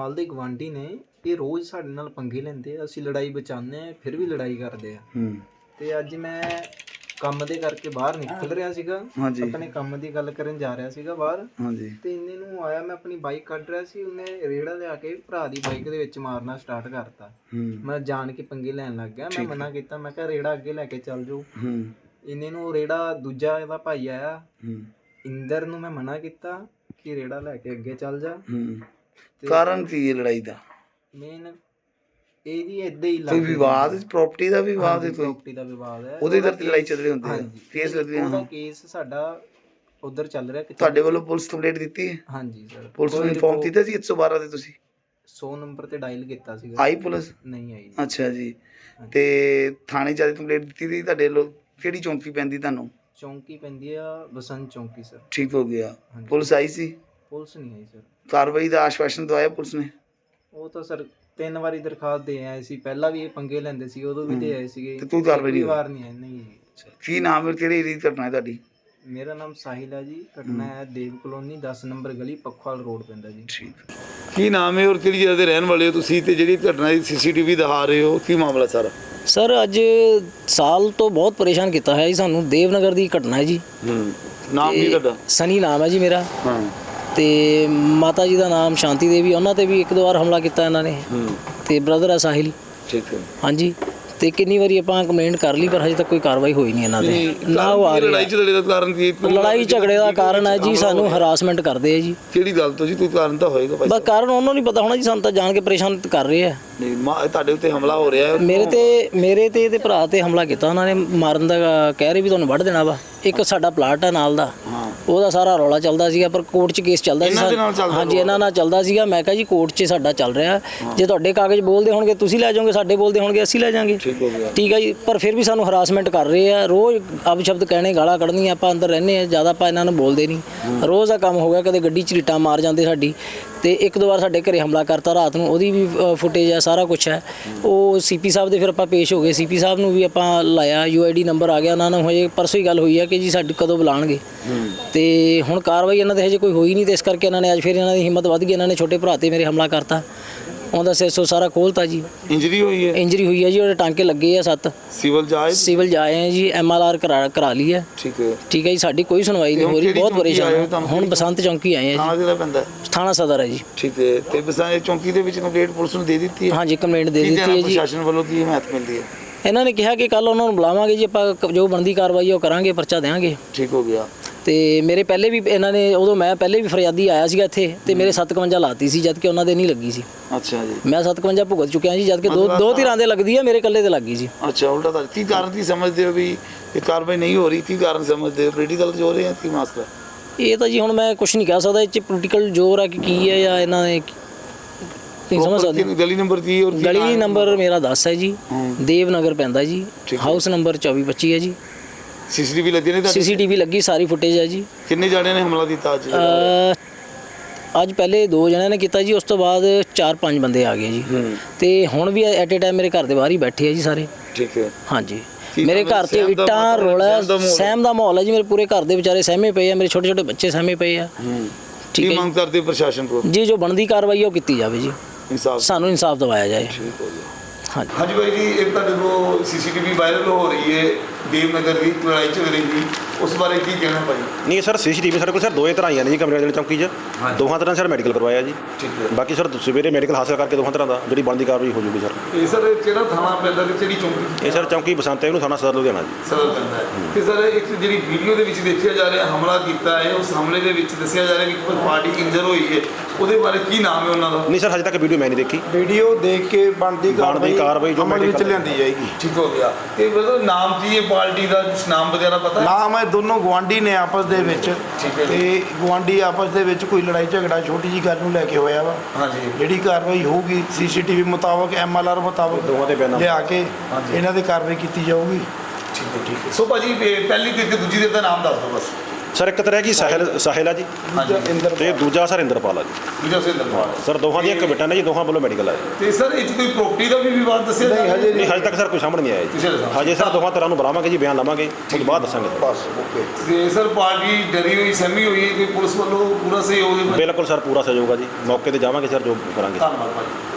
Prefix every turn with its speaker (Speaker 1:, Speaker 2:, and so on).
Speaker 1: ਨਾਲ ਦੇ ਗਵਾਂਢੀ ਨੇ, ਇਹ ਰੋਜ਼ ਸਾਡੇ ਨਾਲ ਪੰਗੇ ਲੈਂਦੇ ਆ। ਅਸੀਂ ਲੜਾਈ ਬਚਾਉਂਦੇ ਹਾਂ, ਫਿਰ ਵੀ ਲੜਾਈ ਕਰਦੇ ਆ। ਤੇ ਅੱਜ ਮੈਂ ਕੰਮ ਦੇ ਕਰਕੇ ਬਾਹਰ ਨਿਕਲ ਰਿਹਾ ਸੀਗਾ, ਆਪਣੇ ਕੰਮ ਦੀ ਗੱਲ ਕਰਨ ਜਾ ਰਿਹਾ ਸੀਗਾ ਬਾਹਰ, ਤੇ ਇੰਨੇ ਨੂੰ ਆਇਆ, ਮੈਂ ਆਪਣੀ ਬਾਈਕ ਕੱਢ ਰਿਹਾ ਸੀ, ਉਹਨੇ ਰੇੜਾ ਲਿਆ ਕੇ ਭਰਾ ਦੀ ਬਾਈਕ ਦੇ ਵਿੱਚ ਮਾਰਨਾ ਸਟਾਰਟ ਕਰਤਾ। ਮੈਂ ਜਾਣ ਕੇ ਪੰਗੇ ਲੈਣ ਲੱਗ ਗਿਆ। ਮੈਂ ਮਨਾ ਕੀਤਾ, ਮੈਂ ਕਿਹਾ ਰੇੜਾ ਅੱਗੇ ਲੈ ਕੇ ਚੱਲ ਜਾਓ। ਇੰਨੇ ਨੂੰ ਰੇੜਾ ਦੂਜਾ ਇਹਦਾ ਭਾਈ ਆਇਆ ਇੰਦਰ ਨੂੰ, ਮੈਂ ਮਨਾ ਕੀਤਾ ਕਿ ਰੇੜਾ ਲੈ ਕੇ ਅੱਗੇ ਚੱਲ ਜਾ।
Speaker 2: ਕਾਰਨ ਕੀ ਹੈ ਲੜਾਈ ਦਾ?
Speaker 1: ਮੇਨ ਇਹ ਜੀ ਏਦਾਂ ਹੀ
Speaker 2: ਕੋਈ ਵਿਵਾਦ, ਪ੍ਰਾਪਰਟੀ ਦਾ ਵਿਵਾਦ ਹੈ?
Speaker 1: ਪ੍ਰਾਪਰਟੀ ਦਾ ਵਿਵਾਦ ਹੈ,
Speaker 2: ਉਹਦੇ ਕਰਕੇ ਲੜਾਈ ਚੱਲ ਰਹੀ ਹੁੰਦੀ ਹੈ, ਕੇਸ ਲੱਗਦੇ
Speaker 1: ਉਹਦਾ ਕੇਸ ਸਾਡਾ ਉਧਰ ਚੱਲ ਰਿਹਾ।
Speaker 2: ਤੁਹਾਡੇ ਵੱਲੋਂ ਪੁਲਿਸ ਕੰਪਲੇਂਟ ਦਿੱਤੀ ਹੈ?
Speaker 1: ਹਾਂਜੀ ਸਰ,
Speaker 2: ਪੁਲਿਸ ਨੂੰ ਇਨਫੋਰਮ ਕੀਤਾ ਸੀ 112 ਤੇ? ਤੁਸੀਂ
Speaker 1: 100 ਨੰਬਰ ਤੇ ਡਾਇਲ ਕੀਤਾ ਸੀਗਾ।
Speaker 2: ਆਈ ਪੁਲਿਸ?
Speaker 1: ਨਹੀਂ ਆਈ।
Speaker 2: ਅੱਛਾ ਜੀ। ਤੇ ਥਾਣੇ ਜਾ ਕੇ ਕੰਪਲੇਂਟ ਦਿੱਤੀ ਸੀ ਤੁਹਾਡੇ ਵੱਲੋਂ? ਕਿਹੜੀ ਚੌਂਕੀ ਪੈਂਦੀ ਤੁਹਾਨੂੰ?
Speaker 1: ਚੌਂਕੀ ਪੈਂਦੀ ਆ ਬਸੰਤ ਚੌਂਕੀ ਸਰ।
Speaker 2: ਠੀਕ ਹੋ ਗਿਆ। ਪੁਲਿਸ ਆਈ ਸੀ?
Speaker 1: ਪੁਲਿਸ ਨਹੀਂ ਆਈ ਸਰ।
Speaker 2: ਕਾਰਵਾਈ ਦਾ ਆਸ਼ਵਾਸਨ ਦਵਾਇਆ ਪੁਲਿਸ ਨੇ?
Speaker 1: ਉਹ ਤਾਂ ਸਰ 3 ਵਾਰੀ ਦਰਖਾਸਤ ਦੇ ਆਏ ਸੀ, ਪਹਿਲਾਂ ਵੀ ਇਹ ਪੰਗੇ ਲੈਂਦੇ ਸੀ, ਉਦੋਂ ਵੀ ਦੇ ਆਏ ਸੀਗੇ,
Speaker 2: ਤੇ ਕੋਈ ਕਾਰਵਾਈ ਨਹੀਂ
Speaker 1: ਵਾਰ ਨਹੀਂ ਆਈ। ਨਹੀਂ।
Speaker 2: ਕੀ ਨਾਮ ਹੈ, ਕਿਹੜੀ ਏਰੀਆ ਦੀ ਘਟਨਾ ਹੈ ਤੁਹਾਡੀ?
Speaker 1: ਮੇਰਾ ਨਾਮ ਸਾਹਿਲ ਹੈ ਜੀ। ਘਟਨਾ ਹੈ ਦੇਵ ਕਲੋਨੀ 10 ਨੰਬਰ ਗਲੀ, ਪੱਖਵਾਲ ਰੋਡ ਪੈਂਦਾ ਜੀ।
Speaker 2: ਠੀਕ। ਕੀ ਨਾਮ ਹੈ ਔਰ ਕਿਹੜੀ ਜਗ੍ਹਾ ਦੇ ਰਹਿਣ ਵਾਲੇ ਹੋ ਤੁਸੀਂ, ਤੇ ਜਿਹੜੀ ਘਟਨਾ ਦੀ ਸੀਸੀਟੀਵੀ ਦਿਖਾ ਰਹੇ ਹੋ, ਕੀ ਮਾਮਲਾ ਸਾਰਾ?
Speaker 3: ਸਰ ਅੱਜ ਸਾਲ ਤੋਂ ਬਹੁਤ ਪਰੇਸ਼ਾਨ ਕੀਤਾ ਹੈ ਜੀ ਸਾਨੂੰ। ਦੇਵਨਗਰ ਦੀ ਘਟਨਾ ਹੈ ਜੀ।
Speaker 2: ਨਾਮ ਕੀ ਤੁਹਾਡਾ?
Speaker 3: ਸਨੀ ਨਾਮ ਹੈ ਜੀ ਮੇਰਾ।
Speaker 2: ਹਾਂ।
Speaker 3: ਤੇ ਮਾਤਾ ਜੀ ਦਾ ਨਾਮ ਸ਼ਾਂਤੀ ਦੇਵੀ, ਉਹਨਾਂ ਤੇ ਵੀ 1-2 ਵਾਰ ਹਮਲਾ ਕੀਤਾ ਇਹਨਾਂ ਨੇ। ਤੇ ਬ੍ਰਦਰ ਹੈ ਸਾਹਿਲ।
Speaker 2: ਠੀਕ ਹੈ।
Speaker 3: ਹਾਂਜੀ। ਤੇ ਕਿੰਨੀ ਵਾਰੀ ਆਪਾਂ ਕੰਪਲੇਂਟ ਕਰ ਲਈ, ਪਰ ਹਜੇ ਤੱਕ ਕੋਈ ਕਾਰਵਾਈ ਹੋਈ ਨਹੀਂ ਇਹਨਾਂ ਦੇ। ਨਾ ਉਹ ਆ ਰਹੇ।
Speaker 2: ਲੜਾਈ ਝਗੜੇ ਦਾ ਕਾਰਨ ਕੀ?
Speaker 3: ਲੜਾਈ ਝਗੜੇ ਦਾ ਕਾਰਨ ਹੈ ਜੀ, ਸਾਨੂੰ ਹਰਾਸਮੈਂਟ ਕਰਦੇ ਆ ਜੀ।
Speaker 2: ਕਿਹੜੀ ਗੱਲ ਤੋਂ ਜੀ? ਕੋਈ ਕਾਰਨ ਤਾਂ ਹੋਏਗਾ ਭਾਈ।
Speaker 3: ਬਸ ਕਾਰਨ ਉਹਨਾਂ ਨੂੰ ਨਹੀਂ ਪਤਾ ਹੋਣਾ ਜੀ, ਸਾਨੂੰ ਤਾਂ ਜਾਣ ਕੇ ਪਰੇਸ਼ਾਨ ਕਰ ਰਹੇ ਆ।
Speaker 2: ਨਹੀਂ, ਤੁਹਾਡੇ ਉੱਤੇ ਹਮਲਾ ਹੋ ਰਿਹਾ ਹੈ?
Speaker 3: ਮੇਰੇ ਤੇ ਇਹਦੇ ਭਰਾ ਤੇ ਹਮਲਾ ਕੀਤਾ ਉਹਨਾਂ ਨੇ, ਮਾਰਨ ਦਾ ਕਹਿ ਰਹੇ ਵੀ ਤੁਹਾਨੂੰ ਵੱਢ ਦੇਣਾ ਵਾ। ਇੱਕ ਸਾਡਾ ਪਲਾਟ ਆ ਨਾਲ ਦਾ, ਉਹਦਾ ਸਾਰਾ ਰੌਲਾ ਚੱਲਦਾ ਸੀਗਾ, ਪਰ ਕੋਰਟ 'ਚ ਕੇਸ ਚੱਲਦਾ ਸੀ। ਹਾਂਜੀ, ਇਹਨਾਂ ਨਾਲ ਚੱਲਦਾ ਸੀਗਾ। ਮੈਂ ਕਿਹਾ ਜੀ ਕੋਰਟ 'ਚ ਸਾਡਾ ਚੱਲ ਰਿਹਾ, ਜੇ ਤੁਹਾਡੇ ਕਾਗਜ਼ ਬੋਲਦੇ ਹੋਣਗੇ ਤੁਸੀਂ ਲੈ ਜਾਓਗੇ, ਸਾਡੇ ਬੋਲਦੇ ਹੋਣਗੇ ਅਸੀਂ ਲੈ ਜਾਾਂਗੇ। ਠੀਕ ਹੈ ਜੀ। ਪਰ ਫਿਰ ਵੀ ਸਾਨੂੰ ਹਰਾਸਮੈਂਟ ਕਰ ਰਹੇ ਆ, ਰੋਜ਼ ਅਪਸ਼ਬਦ ਕਹਿਣੇ, ਗਾਲਾਂ ਕੱਢਣੀਆਂ। ਆਪਾਂ ਅੰਦਰ ਰਹਿੰਦੇ ਆ, ਜ਼ਿਆਦਾ ਆਪਾਂ ਇਹਨਾਂ ਨੂੰ ਬੋਲਦੇ ਨਹੀਂ। ਰੋਜ਼ ਦਾ ਕੰਮ ਹੋ ਗਿਆ। ਕਦੇ ਗੱਡੀ 'ਚ ਰੀਟਾਂ ਮਾਰ ਜਾਂਦੇ ਸਾਡੀ, ਤੇ 1-2 ਵਾਰ ਸਾਡੇ ਘਰੇ ਹਮਲਾ ਕਰਤਾ ਰਾਤ ਨੂੰ, ਉਹਦੀ ਵੀ ਫੁਟੇਜ ਹੈ, ਸਾਰਾ ਕੁਛ ਹੈ। ਉਹ ਸੀਪੀ ਸਾਹਿਬ ਦੇ ਫਿਰ ਆਪਾਂ ਪੇਸ਼ ਹੋ ਗਏ, ਸੀਪੀ ਸਾਹਿਬ ਨੂੰ ਵੀ ਆਪਾਂ ਲਾਇਆ, UID ਨੰਬਰ ਆ ਗਿਆ ਉਹਨਾਂ ਨੂੰ। ਹਜੇ ਪਰਸੋਂ ਹੀ ਗੱਲ ਹੋਈ ਹੈ ਕਿ ਜੀ ਸਾਡੀ ਕਦੋਂ ਬੁਲਾਉਣਗੇ, ਤੇ ਹੁਣ ਕਾਰਵਾਈ ਇਹਨਾਂ ਦੇ ਹਜੇ ਕੋਈ ਹੋਈ ਨਹੀਂ। ਤੇ ਇਸ ਕਰਕੇ ਇਹਨਾਂ ਨੇ ਅੱਜ ਫਿਰ ਇਹਨਾਂ ਦੀ ਹਿੰਮਤ ਵੱਧ ਗਈ, ਇਹਨਾਂ ਨੇ ਛੋਟੇ ਭਰਾ ਤੇ ਮੇਰੇ ਹਮਲਾ ਕਰਤਾ। ਉਹਦਾ ਸਿਰ ਸਾਰਾ ਖੋਲਤਾ ਜੀ। ਇੰਜਰੀ ਹੋਈ ਹੈ? ਇੰਜਰੀ ਹੋਈ ਹੈ ਜੀ, ਉਹਦੇ ਟਾਂਕੇ ਲੱਗੇ ਆ 7। ਸਿਵਲ ਜਾਏ ਆ ਜੀ, MLR ਕਰਾ ਲਈ ਹੈ। ਠੀਕ ਹੈ ਜੀ। ਸਾਡੀ ਕੋਈ ਸੁਣਵਾਈ ਨਹੀਂ ਹੋ ਰਹੀ, ਬਹੁਤ ਪਰੇਸ਼ਾਨ ਹਾਂ। ਹੁਣ ਬਸੰਤ ਚੌਂਕੀ ਆਏ ਆ ਜੀ। ਥਾਣਾ ਸਦਰ ਹੈ ਜੀ। ਠੀਕ ਹੈ। ਤੇ ਬਸੰਤ ਚੌਂਕੀ ਦੇ ਵਿੱਚ ਕੰਪਲੇਂਟ ਪੁਲਿਸ ਨੂੰ ਦੇ ਦਿੱਤੀ ਹੈ? ਹਾਂਜੀ, ਕੰਪਲੇਂਟ ਦੇ ਦਿੱਤੀ ਹੈ ਜੀ। ਪ੍ਰਸ਼ਾਸਨ ਵੱਲੋਂ ਕੀ ਹਮਾਇਤ ਮਿਲਦੀ ਹੈ? ਇਹਨਾਂ ਨੇ ਕਿਹਾ ਕਿ ਕੱਲ ਉਹਨਾਂ ਨੂੰ ਬੁਲਾਵਾਂਗੇ ਜੀ, ਆਪਾਂ ਜੋ ਬਣਦੀ ਕਾਰਵਾਈ ਉਹ ਕਰਾਂਗੇ, ਪਰਚਾ ਦੇਵਾਂਗੇ। ਠੀਕ ਹੋ ਗਿਆ। ਤੇ ਮੇਰੇ ਪਹਿਲੇ ਵੀ ਇਹਨਾਂ ਨੇ, ਉਦੋਂ ਮੈਂ ਪਹਿਲੇ ਵੀ ਫਰਿਆਦੀ ਆਇਆ ਸੀਗਾ ਇੱਥੇ, ਤੇ ਮੇਰੇ 57 ਲਾਤੀ ਸੀ, ਜਦ ਕਿ ਉਹਨਾਂ ਦੇ ਨਹੀਂ ਲੱਗੀ ਸੀ। ਅੱਛਾ ਜੀ। ਮੈਂ 57 ਭੁਗਤ ਚੁੱਕਿਆ ਜੀ, ਜਦ ਕਿ ਦੋ ਧਿਰਾਂ ਦੇ ਲੱਗਦੀ ਹੈ, ਮੇਰੇ ਇਕੱਲੇ ਤੇ ਲੱਗੀ ਸੀ। ਅੱਛਾ, ਉਲਟਾ ਤਾਂ ਕੀ ਕਾਰਨ ਕੀ ਸਮਝਦੇ ਹੋ ਵੀ ਇਹ ਕਾਰਵਾਈ ਨਹੀਂ ਹੋ ਰਹੀ? ਕੀ ਕਾਰਨ ਸਮਝਦੇ ਹੋ? ਪੋਲੀਟੀਕਲ ਜ਼ੋਰ ਹੈ ਜਾਂ ਕੀ ਮਸਲਾ? ਇਹ ਤਾਂ ਜੀ ਹੁਣ ਮੈਂ ਕੁਝ ਨਹੀਂ ਕਹਿ ਸਕਦਾ, ਇਹ 'ਚ ਪੋਲੀਟੀਕਲ ਜ਼ੋਰ ਹੈ ਕਿ ਕੀ ਹੈ, ਜਾਂ ਇਹਨਾਂ ਨੇ ਨਹੀਂ ਸਮਝ ਸਕਦੇ। ਗਲੀ ਨੰਬਰ ਕੀ? ਗਲੀ ਨੰਬਰ ਮੇਰਾ 10 ਹੈ ਜੀ, ਦੇਵਨਗਰ ਪੈਂਦਾ ਜੀ, ਹਾਊਸ ਨੰਬਰ 2425 ਹੈ ਜੀ। ਸੀਸੀਟੀਵੀ ਲੱਗੀ ਨੇ? ਸੀਸੀਟੀਵੀ ਲੱਗੀ, ਸਾਰੀ ਫੁਟੇਜ ਹੈ ਜੀ। ਕਿੰਨੇ ਜਣਿਆਂ ਨੇ ਹਮਲਾ ਕੀਤਾ ਅੱਜ? ਅੱਜ ਪਹਿਲੇ 2 ਜਣਿਆਂ ਨੇ ਕੀਤਾ ਜੀ, ਉਸ ਤੋਂ ਬਾਅਦ 4-5 ਬੰਦੇ ਆ ਗਏ ਜੀ। ਤੇ ਹੁਣ ਵੀ ਐਟ ਏ ਟਾਈਮ ਮੇਰੇ ਘਰ ਦੇ ਬਾਹਰ ਹੀ ਬੈਠੇ ਆ ਜੀ ਸਾਰੇ। ਠੀਕ ਹੈ। ਹਾਂਜੀ, ਮੇਰੇ ਘਰ 'ਚ ਇੱਟਾਂ ਰੋਲਾ ਸਹਿਮ ਦਾ ਮਾਹੌਲ ਹੈ ਜੀ। ਮੇਰੇ ਪੂਰੇ ਘਰ ਦੇ ਵਿਚਾਰੇ ਸਹਿਮੇ ਪਏ ਆ, ਮੇਰੇ ਛੋਟੇ ਬੱਚੇ ਸਹਿਮੇ ਪਏ ਆ। ਠੀਕ ਹੈ। ਮੰਗ ਕਰਦੇ ਪ੍ਰਸ਼ਾਸਨ ਕੋਲ ਜੀ, ਜੋ ਬਣਦੀ ਕਾਰਵਾਈ ਉਹ ਕੀਤੀ ਜਾਵੇ ਜੀ, ਸਾਨੂੰ ਇਨਸਾਫ ਦਿਵਾਇਆ ਜਾਏ। ਹਾਂਜੀ ਭਾਈ ਜੀ, ਇੱਕ ਤੁਹਾਡੇ ਕੋਲ ਸੀਸੀਟੀਵੀ ਵਾਇਰਲ ਹੋ ਰਹੀ ਹੈ ਦੇਵਨਗਰ ਦੀ ਲੜਾਈ ਝਗੜੇ ਦੀ, ਉਸ ਬਾਰੇ ਕੀ ਕਹਿਣਾ ਭਾਈ?
Speaker 4: ਨਹੀਂ ਸਰ, ਸੀਸੀਟੀਵੀ ਸਾਡੇ ਕੋਲ ਸਰ 2 ਤਰ੍ਹਾਂ ਆਈਆਂ ਨੇ ਜੀ ਕਮਰੇ ਵਾਲੀ ਚੌਂਕੀ 'ਚ। ਦੋਹਾਂ ਤਰ੍ਹਾਂ ਸਰ ਮੈਡੀਕਲ ਕਰਵਾਇਆ ਜੀ। ਠੀਕ ਹੈ। ਬਾਕੀ ਸਰ ਸਵੇਰੇ ਮੈਡੀਕਲ ਹਾਸਲ ਕਰਕੇ ਦੋਹਾਂ ਤਰ੍ਹਾਂ ਦਾ ਜਿਹੜੀ ਬਣਦੀ ਕਾਰਵਾਈ ਹੋ ਜੂਗੀ ਸਰ।
Speaker 1: ਇਹ ਸਰ ਕਿਹੜਾ ਥਾਣਾ ਪੈਂਦਾ ਤੇ ਕਿਹੜੀ ਚੌਂਕੀ?
Speaker 4: ਇਹ ਸਰ ਚੌਂਕੀ ਬਸੰਤ ਹੈ, ਇਹਨੂੰ ਥਾਣਾ ਸਦਰ ਲੁਧਿਆਣਾ ਜੀ।
Speaker 1: ਸਦਰ ਪੈਂਦਾ ਹੈ। ਤੇ ਸਰ ਇੱਕ ਜਿਹੜੀ ਵੀਡੀਓ ਦੇ ਵਿੱਚ ਦੇਖਿਆ ਜਾ ਰਿਹਾ ਹਮਲਾ ਕੀਤਾ ਹੈ, ਉਸ ਹਮਲੇ ਦੇ ਵਿੱਚ ਦੱਸਿਆ ਜਾ ਰਿਹਾ ਕਿ ਕੋਈ ਪਾਰਟੀ ਇੰਜਰ ਹੋਈ ਹੈ, ਉਹਦੇ ਬਾਰੇ ਕੀ ਨਾਮ ਹੈ ਉਹਨਾਂ ਦਾ?
Speaker 4: ਨਹੀਂ ਸਰ, ਹਜੇ ਤੱਕ ਵੀਡੀਓ ਮੈਂ ਨਹੀਂ ਦੇਖੀ।
Speaker 5: ਵੀਡੀਓ ਦੇਖ ਕੇ ਬਣਦੀ ਕਾਰਵਾਈ ਜੋ
Speaker 4: ਅਮਲ ਵਿੱਚ
Speaker 5: ਲਿਆਂਦੀ ਜਾਏਗੀ।
Speaker 1: ਠੀਕ ਹੋ ਗਿਆ। ਤੇ ਮਤਲਬ ਨਾਮ ਕੀ ਹੈ ਪਾਰਟੀ ਦਾ, ਨਾਮ ਵਗੈਰਾ ਪਤਾ ਹੈ?
Speaker 5: ਨਾਮ ਹੈ, ਦੋਨੋਂ ਗੁਆਂਢੀ ਨੇ ਆਪਸ ਦੇ ਵਿੱਚ, ਤੇ ਗੁਆਂਢੀ ਆਪਸ ਦੇ ਵਿੱਚ ਕੋਈ ਲੜਾਈ ਝਗੜਾ ਛੋਟੀ ਜੀ ਗੱਲ ਨੂੰ ਲੈ ਕੇ ਹੋਇਆ ਵਾ। ਹਾਂਜੀ। ਜਿਹੜੀ ਕਾਰਵਾਈ ਹੋਊਗੀ ਸੀਸੀਟੀਵੀ ਮੁਤਾਬਕ, MLR ਮੁਤਾਬਕ ਲਿਆ ਕੇ ਇਹਨਾਂ ਦੇ ਕਾਰਵਾਈ ਕੀਤੀ ਜਾਊਗੀ।
Speaker 1: ਠੀਕ ਹੈ। ਠੀਕ ਹੈ। ਸੋ ਭਾਜੀ ਪਹਿਲੀ ਤੇ ਦੂਜੀ ਦੇ ਦਾ ਨਾਮ ਦੱਸ ਦਿਓ ਬਸ।
Speaker 4: ਸਰ ਇੱਕ ਤਾਂ ਰਹਿ ਗਈ ਸਾਹਿਲ ਆ ਜੀ ਤੇ ਦੂਜਾ ਸਰ ਇੰਦਰਪਾਲ ਆ ਜੀ
Speaker 2: ਦੂਜਾ ਸਿੰਦਰਪਾਲ
Speaker 4: ਸਰ ਦੋਹਾਂ ਦੀਆਂ ਕਮੇਟਾਂ ਨੇ ਜੀ, ਦੋਹਾਂ ਵੱਲੋਂ ਮੈਡੀਕਲ ਆਏ
Speaker 2: ਤੇ ਸਰ ਇਹ 'ਚ ਕੋਈ ਪ੍ਰੋਪਰਟੀ ਦਾ ਵੀ ਵਿਵਾਦ ਦੱਸਿਆ
Speaker 5: ਨਹੀਂ ਹਜੇ
Speaker 4: ਨਹੀਂ ਹਜੇ ਤੱਕ ਸਰ ਕੋਈ ਸਾਹਮਣੇ ਨਹੀਂ ਆਇਆ ਜੀ। ਹਜੇ ਸਰ ਦੋਹਾਂ ਤਰ੍ਹਾਂ ਨੂੰ ਬੁਲਾਵਾਂਗੇ ਜੀ, ਬਿਆਨ ਲਵਾਂਗੇ ਉਸ ਤੋਂ ਬਾਅਦ ਦੱਸਾਂਗੇ ਸਰ।
Speaker 5: ਬਸ ਓਕੇ।
Speaker 2: ਤੇ ਸਰ ਪਾਰਟੀ ਡਰੀ ਹੋਈ ਸਹਿਮੀ ਹੋਈ ਹੈ ਕਿ ਪੁਲਿਸ ਵੱਲੋਂ ਪੂਰਾ ਸਹਿਯੋਗ ਦੇ
Speaker 4: ਬਿਲਕੁਲ ਸਰ ਪੂਰਾ ਸਹਿਯੋਗ ਆ ਜੀ, ਮੌਕੇ ਤੇ ਜਾਵਾਂਗੇ ਸਰ ਜੋ ਕਰਾਂਗੇ।
Speaker 2: ਧੰਨਵਾਦ ਭਾਜੀ।